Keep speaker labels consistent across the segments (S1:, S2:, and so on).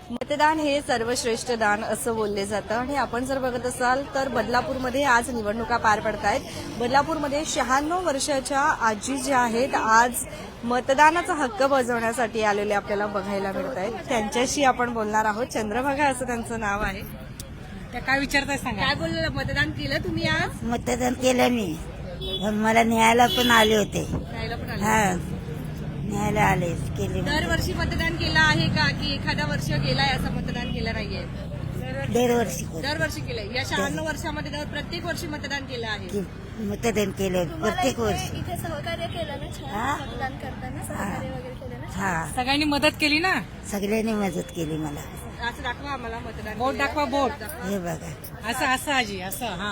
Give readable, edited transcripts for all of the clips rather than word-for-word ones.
S1: मतदान हे सर्वश्रेष्ठ दान असं बोलले जातं आणि आपण जर बघत असाल तर बदलापूरमध्ये आज निवडणुका पार पडत आहेत। बदलापूरमध्ये 96 वर्षाच्या आजी ज्या आहेत आज मतदानाचा हक्क बजावण्यासाठी आलेले आपल्याला बघायला मिळत आहेत। त्यांच्याशी आपण बोलणार आहोत। चंद्रभागा असं त्यांचं नाव आहे।
S2: त्या काय विचारताय सांगा।
S1: काय बोललं, मतदान केलं तुम्ही आज?
S3: मतदान केलं मी, पण मला न्यायला पण आले होते।
S1: न्यायला पण आले?
S3: हा, न्यायला आले केले।
S1: दरवर्षी मतदान केलं आहे का की एखादा वर्ष गेलाय असं मतदान केलं नाहीये?
S3: दरवर्षी
S1: दरवर्षी केलंय। या 96 वर्षामध्ये प्रत्येक वर्षी मतदान केलं आहे?
S3: मतदान केलं प्रत्येक वर्षी।
S4: इथे सहकार्य केलं ना
S3: हा?
S4: छान मतदान करताना सहकार्य वगैरे केलं ना।
S3: हा,
S2: सगळ्यांनी मदत केली ना।
S3: सगळ्यांनी मदत केली मला।
S1: असं दाखवा आम्हाला मतदान
S2: बोट
S1: केलंय.
S2: दाखवा, बोट
S3: हे बघा,
S2: असं असं आजी असं। हा,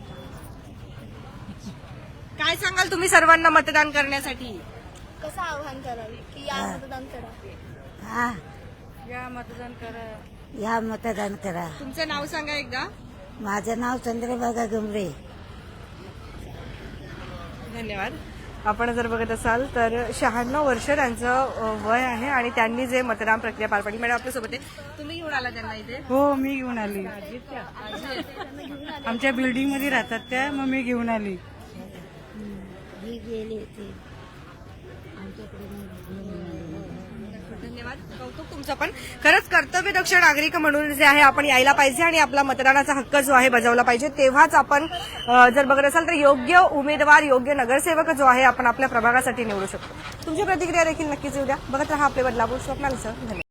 S1: काय सांगाल तुम्ही सर्वांना मतदान करण्यासाठी?
S4: कसं आव्हान कराल की या मतदान करा?
S3: हा,
S2: या मतदान करा।
S3: या मतदान करा।
S1: तुमचं नाव सांगा एकदा।
S3: माझं नाव चंद्रभागा गमरे।
S1: धन्यवाद। आपण जर बघत असाल तर 96 वर्ष त्यांचं वय आहे आणि त्यांनी जे मतदान प्रक्रिया पार पाडली। मॅडम आपल्यासोबत आहे, तुम्ही घेऊन आला त्यांना इथे?
S2: हो, मी घेऊन आली। आमच्या बिल्डिंग मध्ये राहतात त्या, मग मी घेऊन आली।
S3: ही गेली होती।
S1: धन्यवाद, कौतुक तुमचं पण। खरंच कर्तव्यदक्ष नागरिक म्हणून जे आहे आपण यायला पाहिजे आणि आपला मतदानाचा हक्क जो आहे बजावला पाहिजे। तेव्हाच आपण जर बघत असाल तर योग्य उमेदवार, योग्य नगरसेवक जो आहे आपण आपल्या प्रभागासाठी निवडू शकतो। तुमची प्रतिक्रिया देखील नक्कीच येऊ द्या। बघत रहा आपले बदलापूर स्वप्नालीसह। धन्यवाद।